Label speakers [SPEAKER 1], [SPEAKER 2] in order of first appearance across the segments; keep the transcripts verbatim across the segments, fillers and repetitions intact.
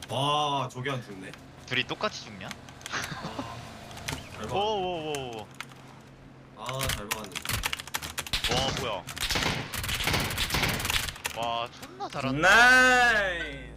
[SPEAKER 1] 와 저게 안 죽네.
[SPEAKER 2] 둘이 똑같이 죽냐?
[SPEAKER 1] 잘 봐.
[SPEAKER 2] 오오오오.
[SPEAKER 1] 아잘 박았는데.
[SPEAKER 2] 와 뭐야? 와 존나 잘한다.
[SPEAKER 3] 나이스.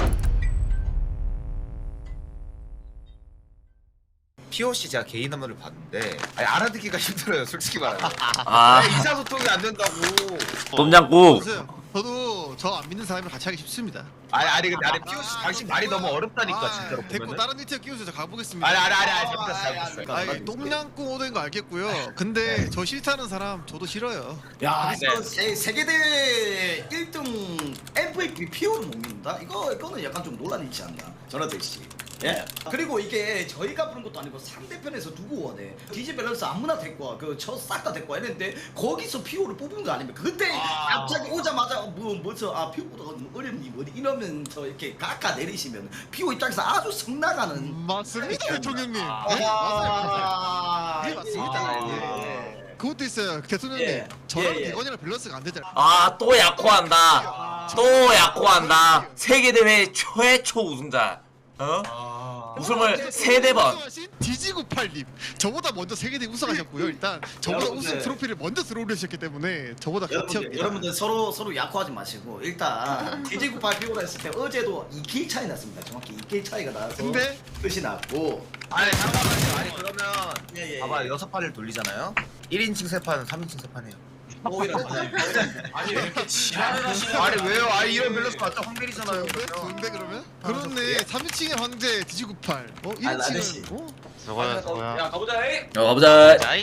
[SPEAKER 4] 피오씨 제가 개인 한번을 봤는데 아니, 알아듣기가 힘들어요 솔직히 말하면.
[SPEAKER 3] 아
[SPEAKER 4] 아니, 의사소통이 안 된다고.
[SPEAKER 3] 똠양꿍.
[SPEAKER 5] 저도 저 안 믿는 사람이랑 같이 하기 쉽습니다.
[SPEAKER 4] 아니 아니 근데 아니 피오씨 당신 말이 너무 어렵다니까
[SPEAKER 5] 아,
[SPEAKER 4] 진짜로
[SPEAKER 5] 됐고
[SPEAKER 4] 보면은.
[SPEAKER 5] 다른 일티어 끼우세요. 저 가보겠습니다.
[SPEAKER 4] 아니 아니 아니 아니 잘못했어 잘못했어.
[SPEAKER 5] 아니 똥냥꿍 오는 거 알겠고요. 근데 저 싫다는 사람 저도 싫어요.
[SPEAKER 6] 야,
[SPEAKER 4] 네.
[SPEAKER 6] 이거 세, 세계대회 일 등 엠브이피 피오를 못 믿는다? 이거, 이거는 약간 좀 논란이 있지 않나? 전화대 씨. 예. 그리고 이게 저희가 부른 것도 아니고 상대편에서 누구 원해? 디지 밸런스 아무나 데리고 와. 그저 싹 다 데리고 와. 이랬는데 거기서 피오를 뽑은 거 아닙니까? 그때
[SPEAKER 1] 아.
[SPEAKER 6] 갑자기 오자마자 뭐, 뭐죠? 아, 피오보다 어렵니? 뭐 이러면서 이렇게 깎아 내리시면 피오 입장에서 아주 성나가는.
[SPEAKER 5] 맞습니다, 대통령님. 네?
[SPEAKER 6] 아,
[SPEAKER 5] 맞아요. 이게
[SPEAKER 6] 예,
[SPEAKER 5] 맞습니다.
[SPEAKER 6] 예.
[SPEAKER 5] 그것도 있어요, 대통령님.
[SPEAKER 6] 예.
[SPEAKER 5] 저랑
[SPEAKER 6] 예, 예.
[SPEAKER 5] 대건이랑 밸런스가 안 되잖아요.
[SPEAKER 3] 아 또 약호한다. 또 약호한다. 세계대회 최초 우승자. 어?
[SPEAKER 1] 아.
[SPEAKER 3] 우승을 세네 번.
[SPEAKER 5] 우승하신 디지구팔님 저보다 먼저 세계대 우승하셨고요. 일단 저보다
[SPEAKER 6] 여러분들.
[SPEAKER 5] 우승 트로피를 먼저 들어올리셨기 때문에 저보다
[SPEAKER 6] 여러분들,
[SPEAKER 5] 같이합니다.
[SPEAKER 6] 여러분들 서로 서로 약호하지 마시고 일단 디지구팔 피오라 했을 때 어제도 이 킬 차이 났습니다. 정확히 이 킬 차이가 나서
[SPEAKER 5] 근데
[SPEAKER 6] 끝이 났고.
[SPEAKER 4] 아니 잠깐만요. 아니 그러면
[SPEAKER 6] 예, 예,
[SPEAKER 4] 봐봐
[SPEAKER 6] 예.
[SPEAKER 4] 여섯 판을 돌리잖아요. 일 인칭 세 판은 삼 인칭 세 판이에요.
[SPEAKER 6] 오히려
[SPEAKER 1] 아니 왜 이렇게 지랄을 하시냐?
[SPEAKER 4] 아니 왜요? 아니 이런 밸런스 맞죠? 황벨이잖아요.
[SPEAKER 5] 좋은데? 좋은데 그러면? 그렇네. 삼 인칭의 황제 디지구팔. 어?
[SPEAKER 6] 아, 라데시.
[SPEAKER 5] 일 인칭은 어?
[SPEAKER 2] 저거야 저거야.
[SPEAKER 1] 가보자. 에이.
[SPEAKER 3] 어 가보자.
[SPEAKER 2] 자이.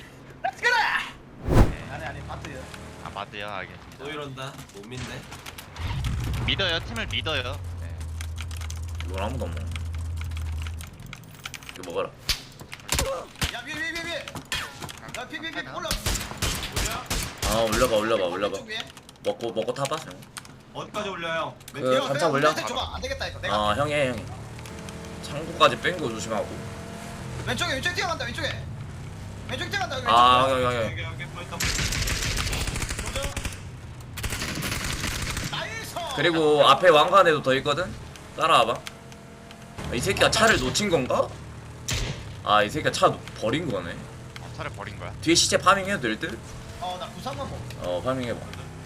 [SPEAKER 6] 아니 아니 마트요.
[SPEAKER 2] 아 맞대요 알겠.
[SPEAKER 1] 또 이런다. 못 믿네.
[SPEAKER 2] 믿어요 팀을 믿어요. 네.
[SPEAKER 3] 이건 아무도 안 먹어. 이거 먹어라.
[SPEAKER 6] 야 위에 위에 위에 위에. 야 피피피 올라.
[SPEAKER 3] 아 올려봐 올려봐 올려봐.
[SPEAKER 6] 왼쪽 위에.
[SPEAKER 3] 먹고 먹고 타봐. 형.
[SPEAKER 1] 어디까지 올려요?
[SPEAKER 3] 그
[SPEAKER 6] 내가
[SPEAKER 3] 감자
[SPEAKER 6] 내가
[SPEAKER 3] 올려.
[SPEAKER 6] 내가 줘봐. 안 되겠다 이거. 내가
[SPEAKER 3] 아 형이 해 형이. 창고까지 뺀 거 조심하고.
[SPEAKER 6] 왼쪽에 왼쪽에 뛰어간다 왼쪽에. 왼쪽에 뛰어간다 여기.
[SPEAKER 3] 아
[SPEAKER 6] 왼쪽에.
[SPEAKER 3] 형이 형이.
[SPEAKER 1] 여기 여기 보였다.
[SPEAKER 6] 나이스.
[SPEAKER 3] 그리고 앞에 왕관에도 더 있거든. 따라와봐. 아, 이 새끼가 차를 놓친 건가? 아 이 새끼가 차 놓- 버린 거네.
[SPEAKER 2] 어, 차를 버린 거야.
[SPEAKER 3] 뒤에 시체 파밍해도 될 듯?
[SPEAKER 6] 어나 구상만 먹.
[SPEAKER 3] 어 파밍해봐.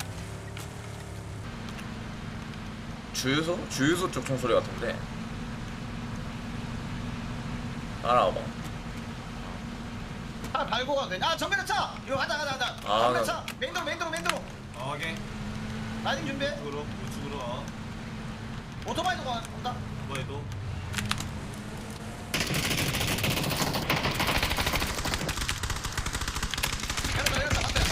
[SPEAKER 3] 주유소? 주유소 쪽 총소리 같은데. 따라와봐.
[SPEAKER 6] 차 달고 가도 돼. 아 정면에 차. 이거 가자 가자 가자.
[SPEAKER 3] 아,
[SPEAKER 6] 정면
[SPEAKER 3] 나-
[SPEAKER 6] 차. 맨도로 맨도로 맨도로.
[SPEAKER 1] 어, 오케이.
[SPEAKER 6] 라이딩 준비.
[SPEAKER 1] 우측으로 우측으로. 어.
[SPEAKER 6] 오토바이도 가. 온다.
[SPEAKER 1] 뭐해도.
[SPEAKER 6] 내렸다 내렸다 맞다.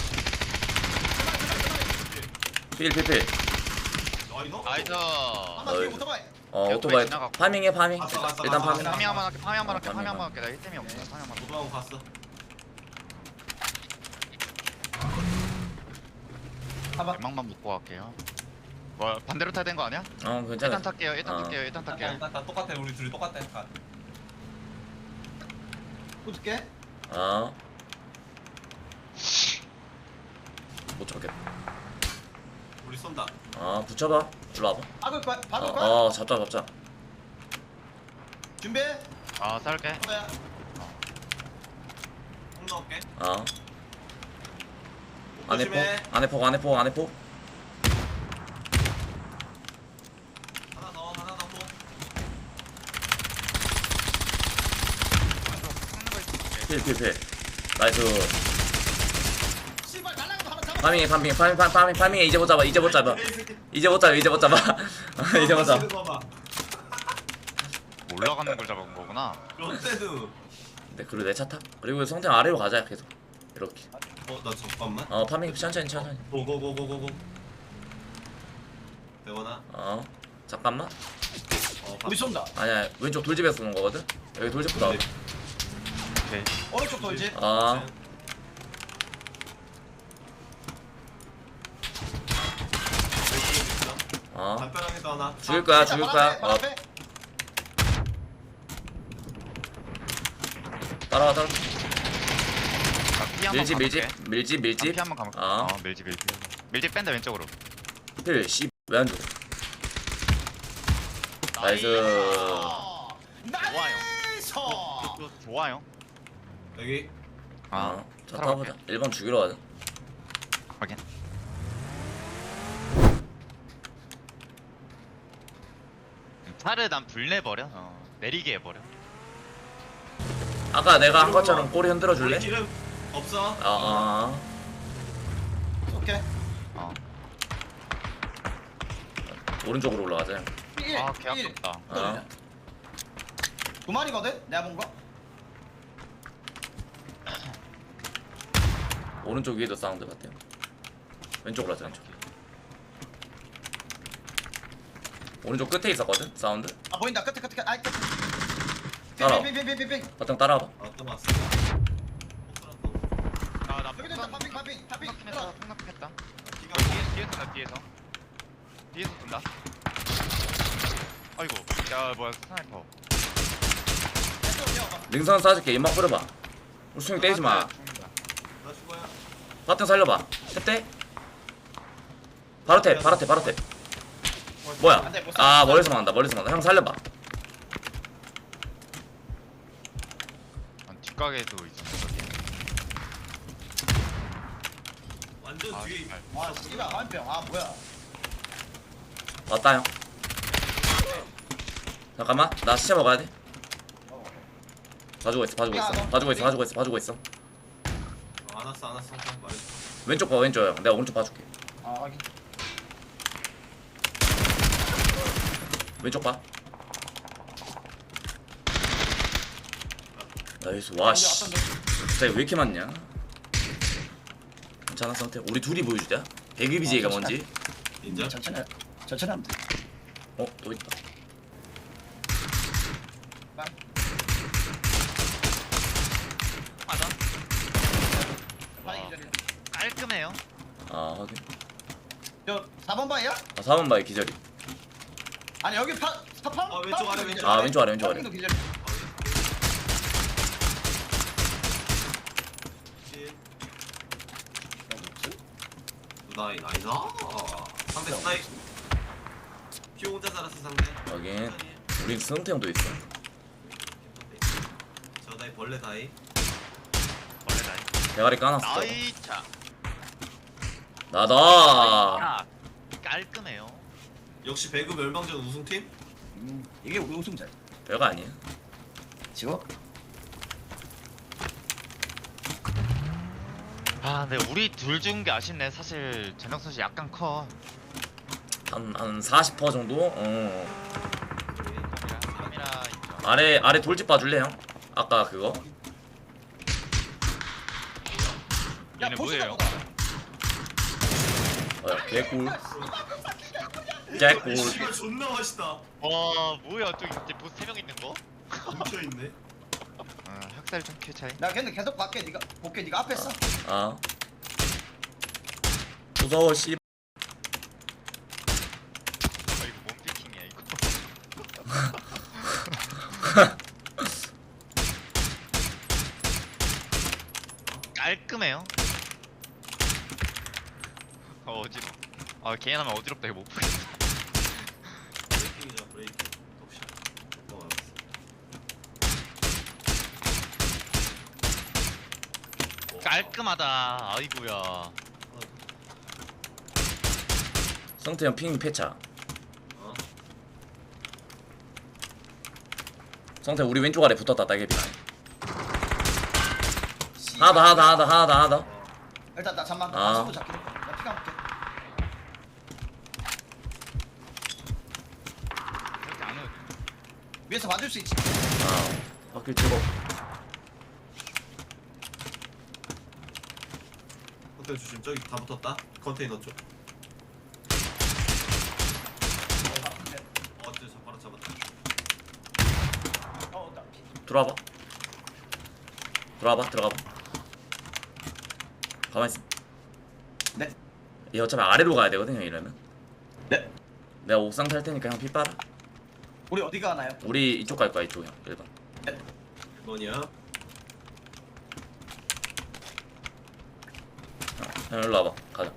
[SPEAKER 3] 필필필.
[SPEAKER 1] 아니 너.
[SPEAKER 2] 나이스.
[SPEAKER 6] 아마 뒤에
[SPEAKER 3] 어이.
[SPEAKER 6] 오토바이.
[SPEAKER 3] 어
[SPEAKER 2] 옆에
[SPEAKER 3] 오토바이
[SPEAKER 2] 지나가고.
[SPEAKER 3] 파밍해 파밍.
[SPEAKER 1] 갔어, 갔어,
[SPEAKER 3] 일단
[SPEAKER 1] 갔어.
[SPEAKER 3] 파밍.
[SPEAKER 2] 파밍 한번 할게 파밍 한번 할게
[SPEAKER 3] 어,
[SPEAKER 2] 파밍 한번
[SPEAKER 3] 파밍.
[SPEAKER 2] 할게 나 일 템이 없어 파밍 한번 할게.
[SPEAKER 1] 도도하고 갔어.
[SPEAKER 6] 봐봐.
[SPEAKER 2] 대망만 묶고 갈게요. 뭐 반대로 타야 되는 거 아니야?
[SPEAKER 3] 어 괜찮아.
[SPEAKER 2] 일단 탈게요 일단
[SPEAKER 3] 어.
[SPEAKER 2] 탈게요 일단
[SPEAKER 1] 다,
[SPEAKER 2] 탈게요.
[SPEAKER 1] 다, 다 똑같아. 우리 둘이 똑같아. 다.
[SPEAKER 6] 붙을게.
[SPEAKER 3] 어. 못 잡겠다.
[SPEAKER 1] 우리 쏜다.
[SPEAKER 3] 아 붙여봐. 일로 와봐.
[SPEAKER 6] 박을 거야. 박을
[SPEAKER 3] 어,
[SPEAKER 6] 거야.
[SPEAKER 3] 어 잡자 잡자.
[SPEAKER 6] 준비.
[SPEAKER 2] 아 싸울게.
[SPEAKER 6] 오토바이야.
[SPEAKER 1] 총 넣을게.
[SPEAKER 3] 어. 안에 폭
[SPEAKER 1] 조심해.
[SPEAKER 3] 안에 폭 안에 폭 안에 폭.
[SPEAKER 1] 하나 더 하나 더. 뭐.
[SPEAKER 3] 필필필. 나이스.
[SPEAKER 6] 씨발 날라가도 하나 잡아.
[SPEAKER 3] 파밍해 파밍해 파밍 파밍 파밍 파밍해 이제 못 잡아 이제 못 잡아. 이제 못 잡아 이제 못 잡아. 이제 못 잡아.
[SPEAKER 1] 봐봐.
[SPEAKER 2] 올라가는 걸 잡은 거구나.
[SPEAKER 1] 롯데도.
[SPEAKER 3] 네 그리고 내 차 타. 그리고 성태 아래로 가자 계속. 이렇게.
[SPEAKER 1] 어나 잠깐만.
[SPEAKER 3] 어 파밍 천천히 천천히.
[SPEAKER 1] 고고고고고고. 대원아.
[SPEAKER 3] 어 잠깐만.
[SPEAKER 1] 어.
[SPEAKER 6] 우리 쏜다.
[SPEAKER 3] 아니야 왼쪽 돌집에서 쏘는 거거든. 여기 돌집부터 나와.
[SPEAKER 2] 오케이.
[SPEAKER 6] 오른쪽 돌지.
[SPEAKER 3] 아 어.
[SPEAKER 1] 담벼락에도 하나.
[SPEAKER 3] 죽일 거야 죽일 거야. 어
[SPEAKER 6] 앞에.
[SPEAKER 3] 따라와 따라.
[SPEAKER 2] 피 한번
[SPEAKER 3] 밀집 밀집
[SPEAKER 2] 가볼게.
[SPEAKER 3] 밀집
[SPEAKER 2] 아,
[SPEAKER 3] 밀집.
[SPEAKER 2] 피 한번 가볼게.
[SPEAKER 3] 아.
[SPEAKER 2] 어 밀집 밀집. 밀집 뺀다 왼쪽으로.
[SPEAKER 3] 필 씨 왜 안 죽어? 나이스.
[SPEAKER 6] 나이스.
[SPEAKER 2] 또 좋아요.
[SPEAKER 1] 여기
[SPEAKER 3] 아, 자
[SPEAKER 2] 살아볼게.
[SPEAKER 3] 타보자. 일 번 죽이러 가자.
[SPEAKER 2] 확인. 차를 난 불내버려. 어, 내리게 해버려.
[SPEAKER 3] 아까 내가 한 것처럼 꼬리 흔들어 줄래?
[SPEAKER 1] 우리 기름 없어?
[SPEAKER 3] 아, 아.
[SPEAKER 6] 오케이.
[SPEAKER 2] 어.
[SPEAKER 3] 오른쪽으로 올라가자.
[SPEAKER 6] 일,
[SPEAKER 2] 아, 개
[SPEAKER 6] 일.
[SPEAKER 2] 아깝다.
[SPEAKER 3] 아.
[SPEAKER 6] 두 마리거든? 내가 본 거?
[SPEAKER 3] 오른쪽 위에도 사운드 같아요. 왼쪽으로 하자, 왼쪽. 오른쪽 끝에 있었거든, 사운드.
[SPEAKER 6] 아 보인다. 끝에 끝에 끝에. 아이 끝에.
[SPEAKER 3] 따라와.
[SPEAKER 6] 빙빙빙빙빙빙.
[SPEAKER 3] 바탕 따라와봐.
[SPEAKER 1] 아, 또 봤어.
[SPEAKER 2] 아나
[SPEAKER 6] 여기도 있다. 파핑 파핑 파핑.
[SPEAKER 2] 폭락했다. 폭락했다.
[SPEAKER 1] 기가
[SPEAKER 2] 뒤에 뒤에서 나 뒤에서. 뒤에서 쏜다. 아이고. 야 뭐야 스나이퍼.
[SPEAKER 3] 능선 쏴줄게. 연막 뿌려봐. 우승이 떼지 마.
[SPEAKER 2] 죽는다.
[SPEAKER 1] 나 죽어야.
[SPEAKER 3] 바탕 살려봐. 탭대. 바로 탭, 바로 탭, 바로 탭. 뭐야?
[SPEAKER 6] 안 돼, 못
[SPEAKER 3] 아,
[SPEAKER 6] 살려.
[SPEAKER 3] 멀리서 만다, 멀리서 만다. 형 살려봐.
[SPEAKER 2] 아, 뒷가게도 있어.
[SPEAKER 1] 완전
[SPEAKER 2] 아,
[SPEAKER 1] 뒤에.
[SPEAKER 2] 정말.
[SPEAKER 6] 와 씨발 한병. 아 뭐야?
[SPEAKER 3] 왔다, 형. 잠깐만, 나 시체 먹어야 돼.
[SPEAKER 6] 어.
[SPEAKER 3] 봐주고 있어, 봐주고 있어. 봐주고 있어, 봐주고 있어, 봐주고 있어.
[SPEAKER 1] 어, 안 왔어 안 왔어. 말했어.
[SPEAKER 3] 왼쪽 봐, 왼쪽 형. 내가 오른쪽 봐줄게.
[SPEAKER 6] 아 확인.
[SPEAKER 3] 왼쪽 봐. 나이스. 와, 씨. 갑자기 왜 이렇게 많냐? 괜찮아, 상태. 우리 둘이 보여주자. 배그 비제이가
[SPEAKER 6] 어,
[SPEAKER 3] 뭔지.
[SPEAKER 1] 인정?
[SPEAKER 6] 천천히 천천히 하면 돼.
[SPEAKER 3] 어, 또 있다.
[SPEAKER 2] 맞아.
[SPEAKER 6] 빨리 기다려.
[SPEAKER 2] 깔끔해요.
[SPEAKER 3] 아, 확인.
[SPEAKER 6] 저 사 번 바이야?
[SPEAKER 3] 아, 사 번 바위 기절이.
[SPEAKER 6] 아니 여기 파 파파.
[SPEAKER 1] 어, 왼쪽 아래, 왼쪽
[SPEAKER 3] 아, 왼쪽 아래, 왼쪽 아래.
[SPEAKER 6] 파핑도 기다려.
[SPEAKER 1] 실. 나이 나이다. 상대 스나이. 피 혼자 살았어 상대.
[SPEAKER 3] 확인. 우리 승태 형도 있어.
[SPEAKER 1] 저 다이 벌레 다이.
[SPEAKER 2] 원래 나이.
[SPEAKER 3] 대가리 까놨어.
[SPEAKER 2] 나이 차.
[SPEAKER 3] 나다.
[SPEAKER 2] 아, 깔끔해요.
[SPEAKER 1] 역시 배그 멸망전 우승팀?
[SPEAKER 6] 음, 이게 우리 우승자.
[SPEAKER 3] 별거 아니야.
[SPEAKER 6] 지금
[SPEAKER 2] 아, 근데 우리 둘 준 게 아쉽네. 사실 재능 선수 약간 커.
[SPEAKER 3] 한, 한 사십 퍼센트 정도? 어.
[SPEAKER 2] 삼이라 있죠.
[SPEAKER 3] 아래, 아래 돌집 봐줄래, 형? 아까 그거?
[SPEAKER 6] 야
[SPEAKER 2] 얘네
[SPEAKER 6] 보스가
[SPEAKER 2] 뭐예요?
[SPEAKER 6] 보다.
[SPEAKER 3] 어, 개꿀. 개꿀.
[SPEAKER 1] 씨발 존나 맛있다.
[SPEAKER 2] 와, 뭐야? 저 이제 보스 세 명 있는 거?
[SPEAKER 1] 뭉쳐있네.
[SPEAKER 2] 아, 학살 좀 큐 차이.
[SPEAKER 6] 나 근데 계속 밖에 네가 볼게 네가 앞에 써.
[SPEAKER 3] 아. 무서워, 씨.
[SPEAKER 2] 아, 이거 뭔 피킹이야 이거. 깔끔해요. 어, 어지러. 아, 개인하면 어지럽다 이거 못 보겠어.
[SPEAKER 1] 브레이킹이죠 브레이킹. 톱샷. 어 알았어.
[SPEAKER 2] 깔끔하다. 아이고야.
[SPEAKER 3] 성태 형 핑 패차.
[SPEAKER 1] 어?
[SPEAKER 3] 성태 우리 왼쪽 아래 붙었다, 따개비. 하나 더, 하나 더, 하나 더, 하나 더, 하나 더.
[SPEAKER 6] 일단 나 잠만.
[SPEAKER 3] 아.
[SPEAKER 6] 나 손도 잡기로. 나 피가 볼게.
[SPEAKER 2] 이렇게 안 오요.
[SPEAKER 6] 위에서 봐줄 수 있지.
[SPEAKER 3] 아, 바퀴 찍어.
[SPEAKER 1] 호텔 주심 저기 다 붙었다. 컨테이너 쪽. 어, 저 바로 잡았다.
[SPEAKER 6] 어, 나 피.
[SPEAKER 3] 들어와봐. 들어와봐, 들어가봐. 가만있어.
[SPEAKER 6] 네.
[SPEAKER 3] 얘 어차피 아래로 가야 되거든요, 이러면.
[SPEAKER 6] 네.
[SPEAKER 3] 내가 옥상 탈 테니까 형 피 빨아.
[SPEAKER 6] 우리 어디 가나요?
[SPEAKER 3] 우리 이쪽 갈 거야, 이쪽 형. 일 번.
[SPEAKER 1] 뭐냐?
[SPEAKER 3] 형 일로 와봐. 가자.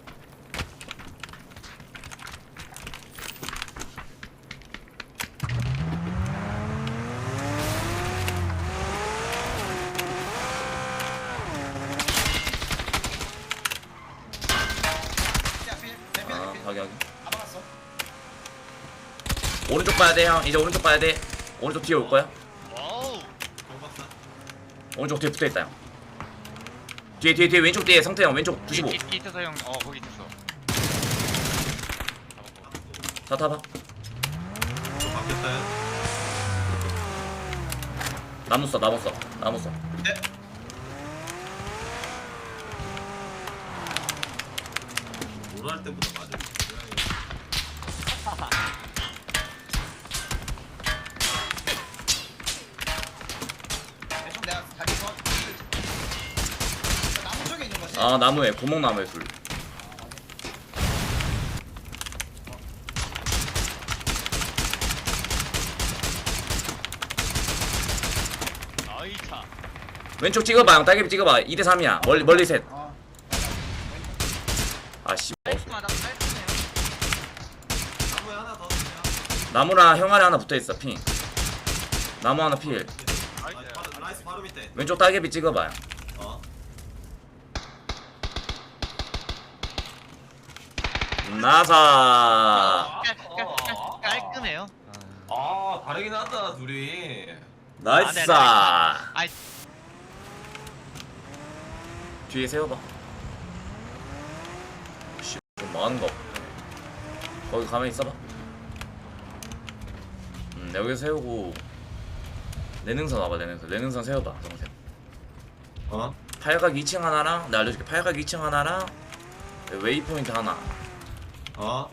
[SPEAKER 3] 오른쪽 봐야 돼 형. 이제 오른쪽 봐야 돼. 오른쪽 뒤에 올 거야.
[SPEAKER 2] 와우.
[SPEAKER 1] 경박사.
[SPEAKER 3] 오른쪽 뒤에 붙어 있다 형. 뒤에 뒤에 뒤에 왼쪽 뒤에 성태 형 왼쪽 구십오.
[SPEAKER 2] 뒤, 뒤 있어서 형. 어 거기 있었어.
[SPEAKER 3] 차 타봐.
[SPEAKER 1] 좀 바뀌었다.
[SPEAKER 3] 나무 써 나무 써 나무 써.
[SPEAKER 1] 네. 뭐할 때보다 맞아.
[SPEAKER 6] 대충 내가 다리 서 나무 쪽에 있는 거지.
[SPEAKER 3] 아 나무에 구멍 나무에 둘.
[SPEAKER 2] 나이차.
[SPEAKER 3] 왼쪽 찍어봐 형. 딸기 찍어봐. 이 대 삼이야. 멀리 멀리 셋.
[SPEAKER 6] 어.
[SPEAKER 3] 아씨.
[SPEAKER 2] 깔끔하다. 깔끔해요.
[SPEAKER 1] 나무에 하나 더 주세요.
[SPEAKER 3] 나무랑 형 아래 하나 붙어 있어 핑. 나무 하나 필.
[SPEAKER 1] 라이스 바로, 라이스 바로 밑에.
[SPEAKER 3] 왼쪽 딸개비 찍어봐요.
[SPEAKER 1] 어.
[SPEAKER 3] 나사.
[SPEAKER 2] 깔, 깔, 깔, 깔끔해요.
[SPEAKER 1] 아 다르긴 하다 둘이.
[SPEAKER 3] 나이스.
[SPEAKER 2] 아이
[SPEAKER 3] 뒤에 세워봐. 씨, 좀 많은 거. 거기 가만히 있어봐. 음, 여기 세우고 내 능선 와봐. 내 능선. 내 능선 세워봐. 동생.
[SPEAKER 1] 어?
[SPEAKER 3] 팔각 이 층 하나랑 내가 알려줄게. 팔각 이 층 하나랑 웨이포인트 하나.
[SPEAKER 1] 어?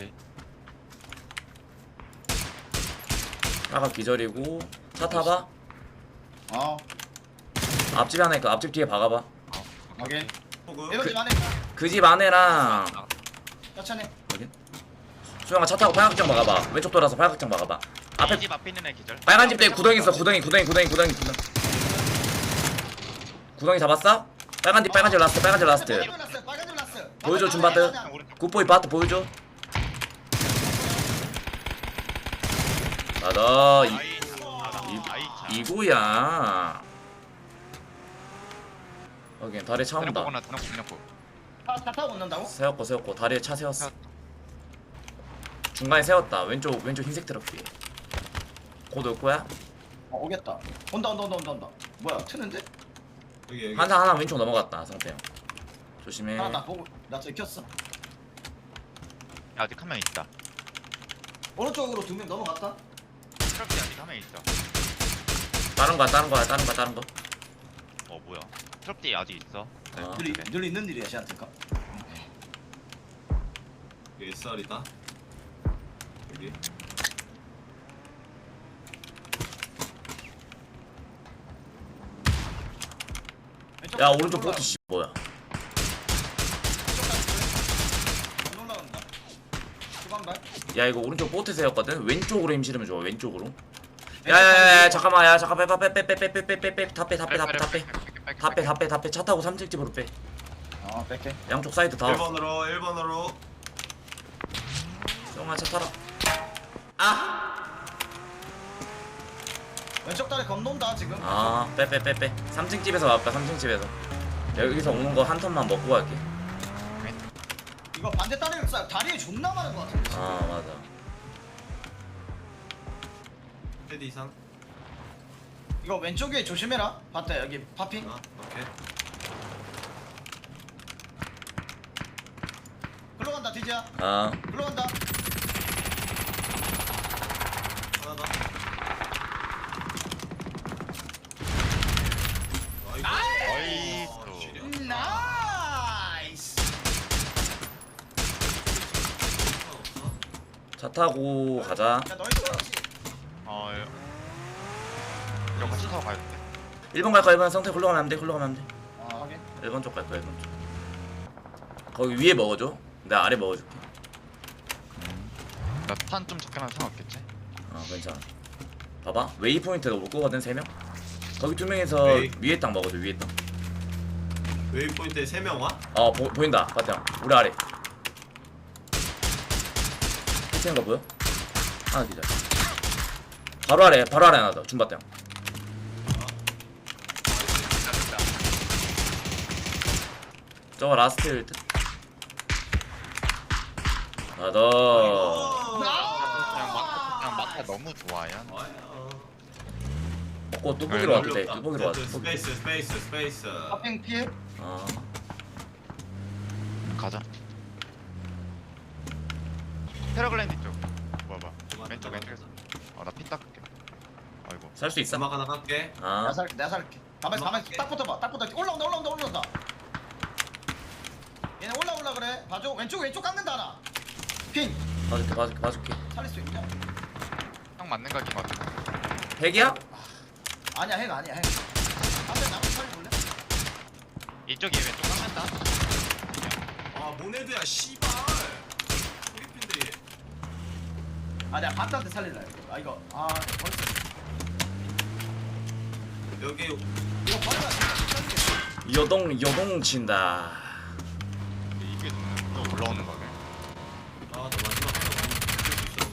[SPEAKER 3] 팔각 기절이고 차 타봐.
[SPEAKER 6] 어.
[SPEAKER 3] 앞집 하나 있고 앞집 뒤에 박아봐.
[SPEAKER 6] 오케이.
[SPEAKER 1] 호그.
[SPEAKER 6] 이런 집 안에
[SPEAKER 3] 그 집 안에랑
[SPEAKER 6] 천천히.
[SPEAKER 3] 수영아 차 타고 팔각정 박아봐. 왼쪽 돌아서 팔각정 박아봐. 앞에
[SPEAKER 2] 집 앞에 있는 애 기절.
[SPEAKER 3] 빨간 집 뒤에 구덩이 있어. 구덩이 구덩이 구덩이 구덩이 구덩이. 구덩이 잡았어? 빨간 집 빨간 집 라스트 빨간 집 라스트.
[SPEAKER 6] 빨간 줄 났어. 빨간 줄 났어.
[SPEAKER 3] 보여줘 줌바트. 굿보이 바트 보여줘. 나다 이
[SPEAKER 2] 나이차.
[SPEAKER 3] 이구야. 여기 다리에 차 온다.
[SPEAKER 2] 드럼보거나 드럼보 드럼보.
[SPEAKER 6] 차, 차 타고 온다고?
[SPEAKER 3] 세웠고 세웠고 다리에 차 세웠어. 중간에 세웠다. 왼쪽 왼쪽 흰색 트럭 뒤에. 곧 올 거야?
[SPEAKER 6] 어, 오겠다. 온다 온다 온다 온다 온다. 뭐야? 트는데?
[SPEAKER 1] 여기 여기.
[SPEAKER 3] 하나 하나 왼쪽 넘어갔다. 상태 형. 조심해.
[SPEAKER 6] 하나 나 보고 나 저기 켰어.
[SPEAKER 2] 아직 한 명 있다.
[SPEAKER 6] 오른쪽으로 두 명 넘어갔다.
[SPEAKER 2] 트럭이 아직 한 명 있어.
[SPEAKER 3] 다른 거야 다른 거야 다른 거야 다른 거.
[SPEAKER 2] 어 뭐야? 트럭 뒤에 아직 있어. 네,
[SPEAKER 3] 아.
[SPEAKER 6] 늘,
[SPEAKER 2] 그래.
[SPEAKER 6] 늘 있는 일이야 쟤한테니까.
[SPEAKER 1] 여기 쌀이다. 여기.
[SPEAKER 3] 야 오른쪽 보트 씨 뭐야?
[SPEAKER 6] 안 올라간다. 후방발.
[SPEAKER 3] 야 이거 오른쪽 보트 세웠거든. 왼쪽으로 힘 실으면 좋아. 왼쪽으로. 야야야 잠깐만 야 잠깐 빼빼빼빼빼빼빼빼빼빼다빼다빼다빼다빼다빼다빼 차 타고 삼층 집으로 빼.
[SPEAKER 6] 어 뺄게.
[SPEAKER 3] 양쪽 사이드 다.
[SPEAKER 1] 일 번으로 일 번으로.
[SPEAKER 3] 형아 차 타라. 아.
[SPEAKER 6] 왼쪽 다리 건넌다 지금.
[SPEAKER 3] 아 빼 빼 빼 빼. 삼층 집에서 와볼까 삼층 집에서. 여기서 오는 거 한 턴만 먹고 갈게.
[SPEAKER 6] 이거 반대 다리를 쏴. 다리에 존나 많은 거 같은데.
[SPEAKER 3] 아 맞아.
[SPEAKER 1] 헤드 이상.
[SPEAKER 6] 이거 왼쪽에 조심해라. 봤다 여기 파핑.
[SPEAKER 1] 어? 오케이.
[SPEAKER 6] 글로 간다 디지야.
[SPEAKER 3] 아
[SPEAKER 6] 글로 간다.
[SPEAKER 1] 하나 더.
[SPEAKER 2] 나이스.
[SPEAKER 1] 어, 지려.
[SPEAKER 6] 나이스.
[SPEAKER 1] 없어.
[SPEAKER 3] 차 타고 가자.
[SPEAKER 6] 야 너희 들어왔지.
[SPEAKER 2] 어. 예. 이거 같이 타고 가야 돼.
[SPEAKER 3] 일 번 갈 거야. 일 번 상태 굴러가면 안 돼. 굴러가면 안 돼.
[SPEAKER 6] 아 확인.
[SPEAKER 3] 일 번 쪽 갈 거야. 일 번 쪽. 거기 위에 먹어줘. 내가 아래 먹어줄게.
[SPEAKER 2] 나탄 좀 적게만 상관없겠지?
[SPEAKER 3] 아 괜찮아. 봐봐 웨이포인트가 올 거거든 세 명. 거기 두 명에서
[SPEAKER 1] 웨이.
[SPEAKER 3] 위에 땅 먹어줘. 위에 땅.
[SPEAKER 1] 웨이포인트에 세 명 와?
[SPEAKER 3] 어 보, 보인다. 바탕 우리 아래. 피치는 거 보여? 하나 기자. 바로 아래 바로 아래 하나 더. 줌바탕. 저거 라스트일 듯. 하나 더.
[SPEAKER 2] 그냥 막 그냥 막 아, 너무 좋아요.
[SPEAKER 1] 와요.
[SPEAKER 3] 먹고 뚜벅이로 와도 돼. 뚜벅이로 와도.
[SPEAKER 1] 그 스페이스 스페이스 스페이스.
[SPEAKER 6] 파핑 피해.
[SPEAKER 3] 아.
[SPEAKER 2] 가자. 패러글랜드 쪽. 봐봐. 왼쪽 왼쪽에서. 아나 피 닦을게. 아이고.
[SPEAKER 3] 살 수 있어?
[SPEAKER 1] 음악 하나 깎게.
[SPEAKER 3] 아.
[SPEAKER 6] 내가 살게 내가 살게. 가만히 가만히 딱 붙어봐. 딱 붙어. 올라온다 올라온다 올라온다. 얘네 올라올라 그래. 봐줘. 왼쪽 왼쪽 깎는다 하나. 핑.
[SPEAKER 3] 봐줄게 봐줄게 봐줄게.
[SPEAKER 6] 살릴 수 있냐?
[SPEAKER 2] 형 맞는 각인 것 같아.
[SPEAKER 3] 백이야?
[SPEAKER 6] 아니야 핵 아니야 핵. 앞에 나무 살려볼래?
[SPEAKER 2] 이쪽이 왼쪽 깎는다.
[SPEAKER 1] 아 모네드야 씨발. 필리핀들이.
[SPEAKER 6] 아 내가 반대한테 살릴라 이거. 아 이거 아 벌써
[SPEAKER 1] 여기
[SPEAKER 6] 이거 버리면 안 돼.
[SPEAKER 3] 여동 여동 친다.
[SPEAKER 2] 이게 또 올라오는 거네.
[SPEAKER 1] 아나 마지막 하나 많이 쓸수 있어.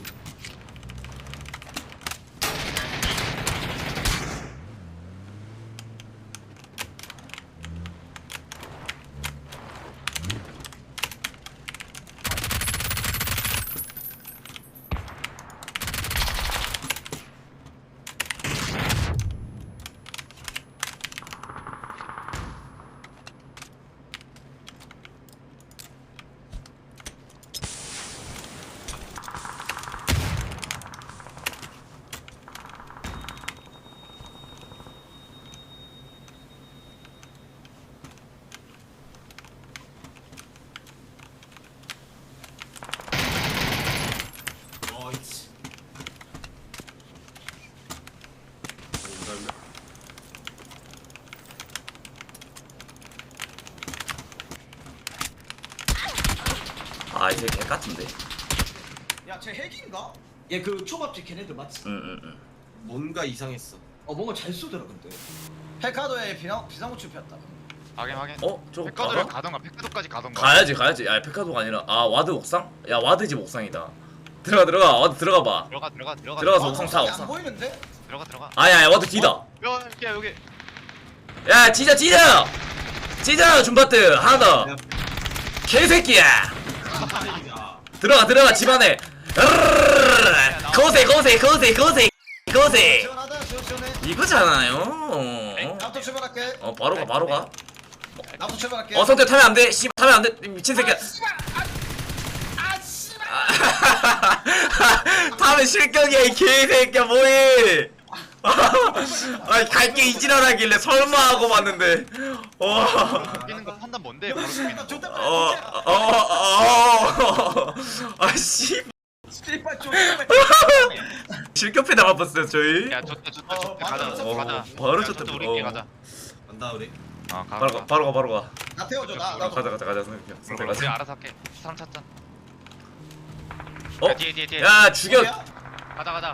[SPEAKER 1] 어이치.
[SPEAKER 3] 아 이제 개 같은데.
[SPEAKER 6] 야쟤 핵인가? 얘 그 초밥집 걔네들 맞지?
[SPEAKER 3] 응응응.
[SPEAKER 1] 뭔가 이상했어.
[SPEAKER 6] 어 뭔가 잘 쏘더라 근데. 핵카도에 비상 비상호출 폈다.
[SPEAKER 2] 확인 확인.
[SPEAKER 3] 어 저거
[SPEAKER 2] 백가도를
[SPEAKER 3] 가봐?
[SPEAKER 2] 가던가 백가도까지 가던가.
[SPEAKER 3] 가야지 가야지. 야 페카도가 아니라 아 와드 옥상? 야 와드 집 옥상이다. 들어가 들어가 와드 들어가 봐.
[SPEAKER 2] 들어가 들어가 들어가.
[SPEAKER 3] 들어가서
[SPEAKER 6] 아,
[SPEAKER 3] 옥상
[SPEAKER 6] 옥상이
[SPEAKER 3] 타,
[SPEAKER 6] 안
[SPEAKER 3] 옥상.
[SPEAKER 6] 보이는데?
[SPEAKER 2] 들어가 들어가.
[SPEAKER 3] 아야 야 와드 뒤다.
[SPEAKER 2] 여기 야 여기.
[SPEAKER 3] 야 찢어 찢어 찢어 줌바트 하나 더.
[SPEAKER 1] 야,
[SPEAKER 3] 개새끼야.
[SPEAKER 1] 다행이다.
[SPEAKER 3] 들어가 들어가 집안에. 거세 거세 거세 거세 거세.
[SPEAKER 6] 시원하다 시원 시원해.
[SPEAKER 3] 이거잖아요.
[SPEAKER 6] 나부터 출발할게.
[SPEAKER 3] 어 바로 가 바로 가.
[SPEAKER 6] 나부터 출발할게.
[SPEAKER 3] 어 성태 타면 안 돼. 씨 타면 안 돼. 미친 새끼야.
[SPEAKER 6] 아 씨발. 아, 아 씨발.
[SPEAKER 3] 타면 실격이야 이 개새끼야 뭐해. 아니 갈게 이지랄하길래 설마 하고 봤는데. 와.
[SPEAKER 2] 뛰는 거 판단 뭔데? 바로 뛰는 거.
[SPEAKER 6] 좋다.
[SPEAKER 3] 어, 어, 어, 아씨,
[SPEAKER 6] 씨발 좀.
[SPEAKER 3] 실격패 나가봤어요 저희.
[SPEAKER 2] 야 좋다 좋다
[SPEAKER 6] 어,
[SPEAKER 2] 좋다
[SPEAKER 6] 바로
[SPEAKER 2] 가자
[SPEAKER 6] 쳤어.
[SPEAKER 2] 가자.
[SPEAKER 3] 바로
[SPEAKER 2] 야,
[SPEAKER 3] 쳤다.
[SPEAKER 2] 좋다, 우리끼리
[SPEAKER 3] 어.
[SPEAKER 2] 가자.
[SPEAKER 1] 간다 우리.
[SPEAKER 2] 어 가.
[SPEAKER 3] 바로 가, 바로 가, 바로 가.
[SPEAKER 6] 나 태워줘 나 나.
[SPEAKER 3] 가자, 가자, 가자. 성태, 성태
[SPEAKER 2] 우리
[SPEAKER 3] 가자.
[SPEAKER 2] 알아서 할게. 사람 찾자.
[SPEAKER 3] 어,
[SPEAKER 2] 야, 뒤에 뒤에 뒤에.
[SPEAKER 3] 야 죽여.
[SPEAKER 6] 어디야?
[SPEAKER 2] 가자 가자.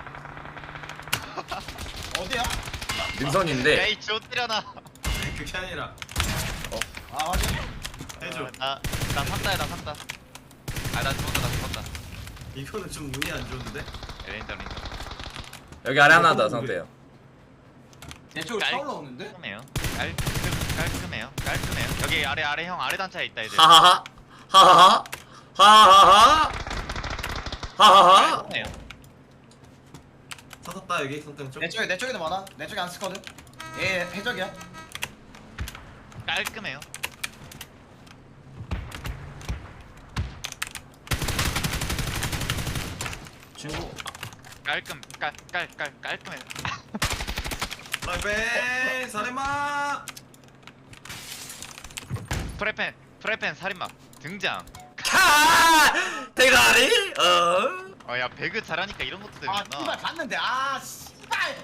[SPEAKER 6] 어디야?
[SPEAKER 3] 능선인데.
[SPEAKER 2] 야이 좆들여나.
[SPEAKER 1] 그게 아니라
[SPEAKER 6] 아 확인.
[SPEAKER 1] 해줘.
[SPEAKER 2] 나나 샀다야 나 샀다. 아나 죽었다 나 죽었다.
[SPEAKER 1] 이거는 좀 운이 안 좋은데.
[SPEAKER 2] 레인저 레인저.
[SPEAKER 3] 여기 아래 하나 더 성태요.
[SPEAKER 6] 내 쪽으로
[SPEAKER 2] 깔-
[SPEAKER 6] 차 올라오는데?
[SPEAKER 2] 깔끔해요. 깔끔 깔끔해요. 깔끔해요. 여기 아래 아래 형 아래 단차에 있다 이제.
[SPEAKER 3] 하하하, 하하하, 하하하, 하하하.
[SPEAKER 2] 깔끔해요.
[SPEAKER 1] 찾았다 여기 성태 쪽.
[SPEAKER 6] 내 쪽에 내 쪽에도 많아. 내 쪽에 안 쓰거든. 얘 해적이야.
[SPEAKER 2] 깔끔해요.
[SPEAKER 3] 친구.
[SPEAKER 2] 깔끔 깔깔깔 깔끔해요.
[SPEAKER 1] 라이벤 사레마.
[SPEAKER 2] 프레펜 프레펜 살인마 등장.
[SPEAKER 3] 카 대가리. 어.
[SPEAKER 2] 어야 배그 잘하니까 이런 것도
[SPEAKER 6] 아
[SPEAKER 2] 되는구나.
[SPEAKER 6] 씨발 봤는데 아 씨발.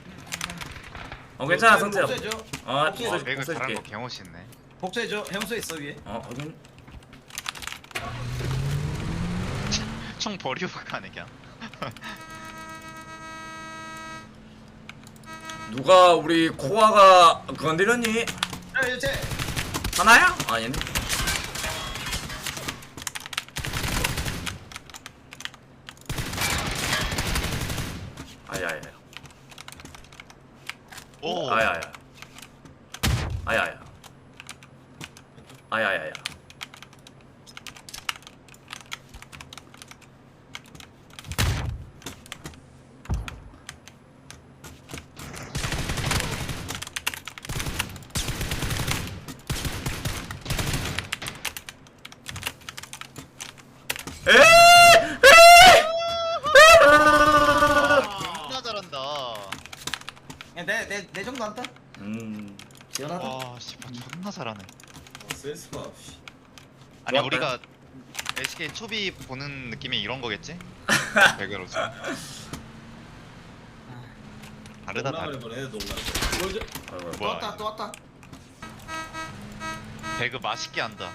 [SPEAKER 3] 어 괜찮아 성태야.
[SPEAKER 6] 복수해줘.
[SPEAKER 3] 어,
[SPEAKER 6] 복수해줘.
[SPEAKER 2] 어,
[SPEAKER 3] 복수-
[SPEAKER 2] 배그 잘하는
[SPEAKER 3] 복수해줄게.
[SPEAKER 2] 거 개멋있네.
[SPEAKER 6] 복수해줘. 해운소에 있어 위에.
[SPEAKER 3] 어, 확인.
[SPEAKER 2] 총 버리고 가네 그냥.
[SPEAKER 3] 누가 우리 코아가 건드렸니?
[SPEAKER 6] 야 이제
[SPEAKER 3] 하나야? 아니네. 아야야.
[SPEAKER 2] 오.
[SPEAKER 3] 아야야. 아야야. 아야야야.
[SPEAKER 2] 존나 잘한다.
[SPEAKER 6] 내내 정도 한다.
[SPEAKER 3] 음.
[SPEAKER 6] 시원하다.
[SPEAKER 2] 와 씨발 존나 잘하네.
[SPEAKER 1] 센스가 없이.
[SPEAKER 2] 아니
[SPEAKER 3] 좋았다.
[SPEAKER 2] 우리가 에스케이 초비 보는 느낌이 이런 거겠지? 배그로서. 다르다
[SPEAKER 1] 농락을
[SPEAKER 2] 다르다.
[SPEAKER 1] 해버려 농락.
[SPEAKER 3] 아이고,
[SPEAKER 6] 또
[SPEAKER 2] 뭐야?
[SPEAKER 6] 왔다 또 왔다.
[SPEAKER 2] 배그 맛있게 한다.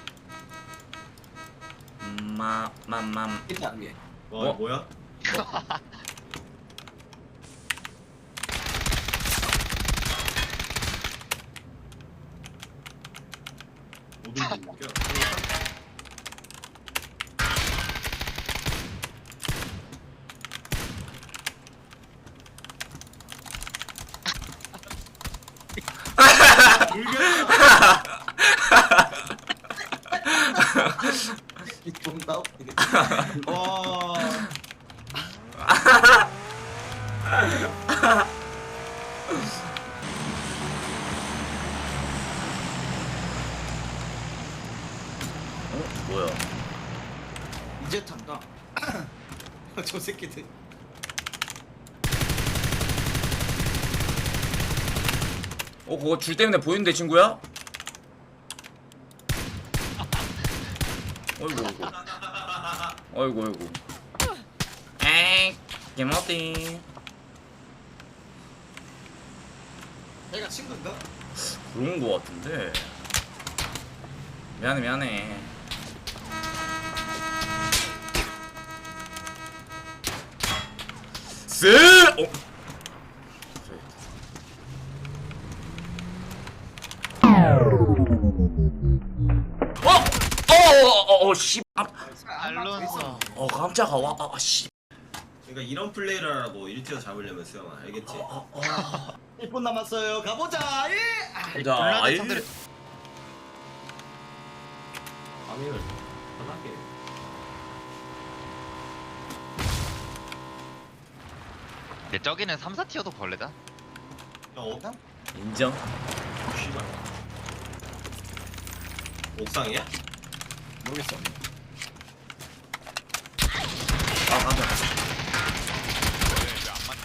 [SPEAKER 3] 마맘맘.
[SPEAKER 6] 있다 위에.
[SPEAKER 1] 와
[SPEAKER 3] 어?
[SPEAKER 1] 뭐야? 모든 게 웃겨.
[SPEAKER 6] 존나 웃기네. 와.
[SPEAKER 3] 어? 뭐야?
[SPEAKER 6] 이제 탄다. 저 새끼들.
[SPEAKER 3] 어 그거 줄 때문에 보이는데 친구야? 어이구 어이구 어이구 어이구 에이 개머띠.
[SPEAKER 6] 내가 친구인가?
[SPEAKER 3] 그런 거 같은데. 미안해 미안해. 쓰! 어? 어! 어! 어! 어! 씨! 아,
[SPEAKER 2] 알론소.
[SPEAKER 3] 어 깜짝아 와 아, 씨.
[SPEAKER 1] 그러니까 이런 플레이를 하라고 일 티어 잡으려면 수영아 알겠지?
[SPEAKER 3] 어, 어.
[SPEAKER 6] 일 분 남았어요. 가보자. 예.
[SPEAKER 3] 자,
[SPEAKER 2] 블라드
[SPEAKER 3] 아이.
[SPEAKER 2] 상대를
[SPEAKER 1] 파밍을 편하게.
[SPEAKER 2] 근데 저기는 삼, 사 티어도 벌레다.
[SPEAKER 1] 어?
[SPEAKER 3] 인정.
[SPEAKER 1] 씨발. 옥상이야?
[SPEAKER 6] 모르겠어.
[SPEAKER 3] 아 깜짝.
[SPEAKER 2] 왜안 맞냐?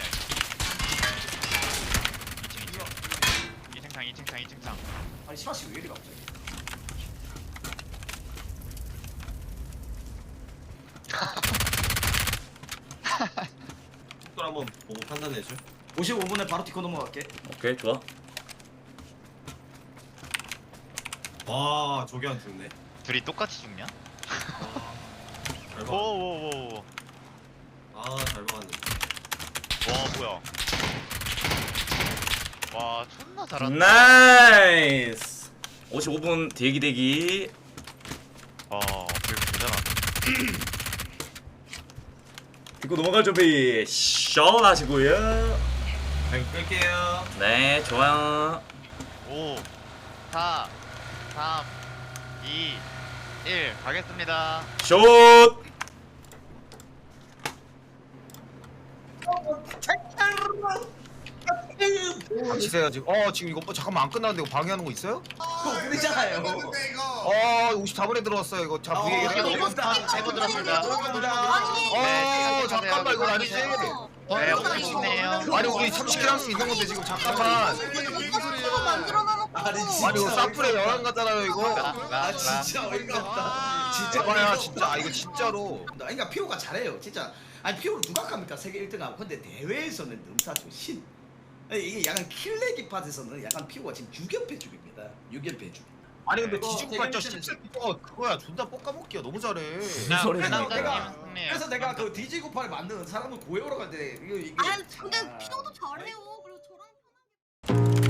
[SPEAKER 2] 이 층 창, 이 층 창, 이 층 창.
[SPEAKER 6] 아니 시바씨 왜 이리 갑자기?
[SPEAKER 1] 속도 한번 보고 판단해줘.
[SPEAKER 6] 오십오 분에 바로 티코 넘어갈게.
[SPEAKER 3] 오케이 좋아.
[SPEAKER 1] 와 저게 안 죽네.
[SPEAKER 2] 둘이 똑같이 죽냐?
[SPEAKER 1] 잘 봐.
[SPEAKER 2] 오오오오.
[SPEAKER 1] 아잘 박았는데.
[SPEAKER 2] 와 뭐야? 와 존나 잘한다.
[SPEAKER 3] 나이스. 오십오 분 대기 대기.
[SPEAKER 2] 와 되게 잘한다.
[SPEAKER 3] 듣고 넘어갈 준비 시원하시고요.
[SPEAKER 1] 자 끌게요.
[SPEAKER 3] 네 좋아요.
[SPEAKER 2] 오, 사, 삼, 이, 일 가겠습니다.
[SPEAKER 3] 슛.
[SPEAKER 4] 치세요 지금. 어 지금 이거 뭐 잠깐만 안 끝났는데 이거 방해하는 거 있어요?
[SPEAKER 6] 그러잖아요.
[SPEAKER 4] 어 오십사 분에 들어왔어요 이거. 자
[SPEAKER 6] 어,
[SPEAKER 4] 위에
[SPEAKER 6] 이거
[SPEAKER 4] 얘기해.
[SPEAKER 6] 이거
[SPEAKER 2] 세번 들었습니다.
[SPEAKER 4] 어 잠깐만 이건 아니지.
[SPEAKER 2] 네, 오십이네요.
[SPEAKER 4] 아니 우리 삼십 킬 할 수 있는 건데 지금 잠깐만.
[SPEAKER 6] 아니
[SPEAKER 4] 아니 이거 사플에 여행 가잖아요 이거.
[SPEAKER 6] 아 진짜 어이가 없다. 진짜
[SPEAKER 4] 봐봐야
[SPEAKER 6] 어이가
[SPEAKER 4] 진짜 아
[SPEAKER 6] 없다.
[SPEAKER 4] 이거 진짜로.
[SPEAKER 6] 그러니까 피오가 잘해요 진짜. 아니 피오를 누가 갑니까 세계 일 등하고. 근데 대회에서는 넘사죠 신. 아니, 이게 약간 킬레기 팟에서는 약간 피오가 지금 육 연패 중입니다. 육 연패 중.
[SPEAKER 4] 아니 근데
[SPEAKER 6] 이거
[SPEAKER 4] 뒤지고
[SPEAKER 6] 되게
[SPEAKER 4] 발전
[SPEAKER 6] 힘드네.
[SPEAKER 4] 십칠 거 그거야 존나 볶아먹기야 너무 잘해.
[SPEAKER 2] 자,
[SPEAKER 3] 소리
[SPEAKER 6] 그래서
[SPEAKER 3] 나니까.
[SPEAKER 6] 내가
[SPEAKER 2] 승리해요.
[SPEAKER 6] 그래서 내가 그 디지구팔 만드는 사람을 구해오러 갔는데 이거 이게.
[SPEAKER 7] 아 근데
[SPEAKER 6] 아,
[SPEAKER 7] 피오도 잘해요. 그리고 저랑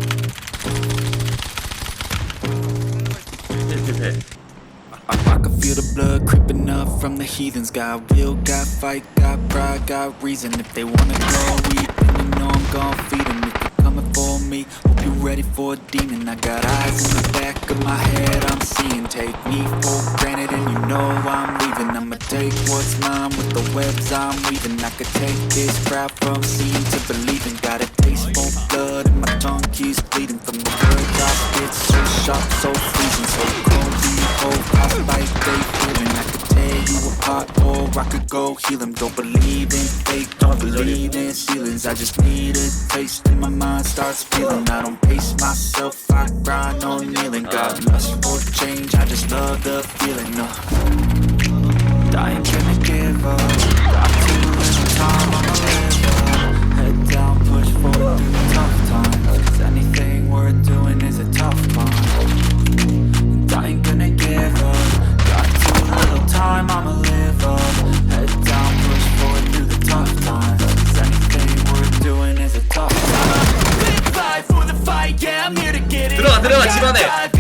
[SPEAKER 3] 필필필.
[SPEAKER 8] I, I can feel the blood creeping up from the heathens. Got will, got fight, got pride, got reason. If they wanna go eat, then you know I'm gon' feed 'em. If you're coming for me, hope you're ready for a demon. I got eyes in the back of my head, I'm seeing. Take me for granted and you know I'm leaving. I'ma take what's mine with the webs I'm weaving. I could take this crowd from seeing to believing. Got a taste for blood and my tongue keeps bleeding. From the words I spit, so sharp, so freezing. So cold, you hold, I like they feeling. I could tear you apart or I could go heal them. Don't believe in fake, don't believe in ceilings. I just need a taste and my mind starts feeling. I don't pace myself, I grind on kneeling. Got lust for change, I just love the feeling. No, I ain't gonna give up. Got too little time, I'ma live up. Head down, push forward through the tough times. Cause anything worth doing is a tough climb. I ain't gonna give up. Got too little time, I'ma live up. Head down, push forward through the tough times. Cause anything worth doing is a tough climb. Live life for the fight, yeah, I'm here to get it.
[SPEAKER 3] 들어가 들어가 집안에.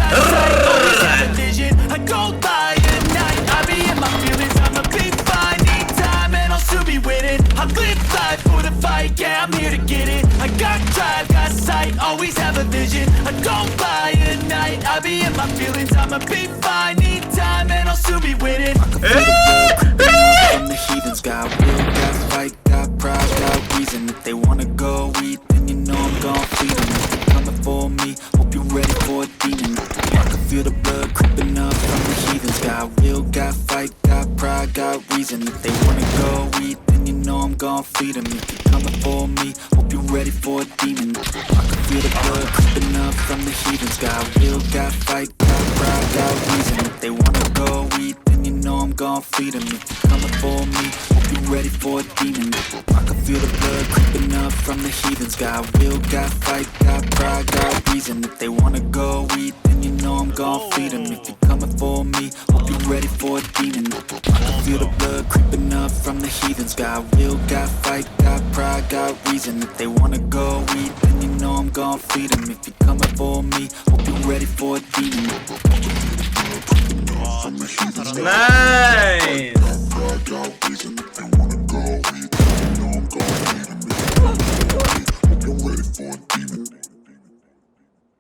[SPEAKER 8] I go by at night, I be in my feelings, I'ma be fine. Need time and I'll soon be winning. I live life for the fight, yeah, I'm here to get it. I got drive, got sight, always have a vision. I go by at night, I be in my feelings, I'ma be fine. Need time and I'll soon be winning. I can feel the blood from the heathens. Got will, got fight, got pride, got reason. If they wanna go eat, then you know I'm gon' feed them. If they're coming for me, hope you're ready for a demon. I can feel the blood creeping up from the heathens. Got will, got fight, got pride, got reason. If they wanna go eat, then you know I'm gon' feed them. If you're coming for me, hope you're ready for a demon. I can feel the blood creeping up from the heathens. Got will, got fight, got pride, got reason. If they wanna go eat, then you know I'm gon' feed them. If you're coming for me, hope you're ready for a demon. I can feel the blood creeping up from the heathens. Got will, got fight, got pride, got reason. If they wanna go eat, then you know I'm gon' feed them. If you're coming for me, hope you're ready for a demon. I can feel the blood creeping up from the heathens. Got will, got fight, got pride, got reason. If they wanna go eat, then you know I'm gon' feed them. If you're coming for me, hope you're ready for a demon.
[SPEAKER 3] 나이스.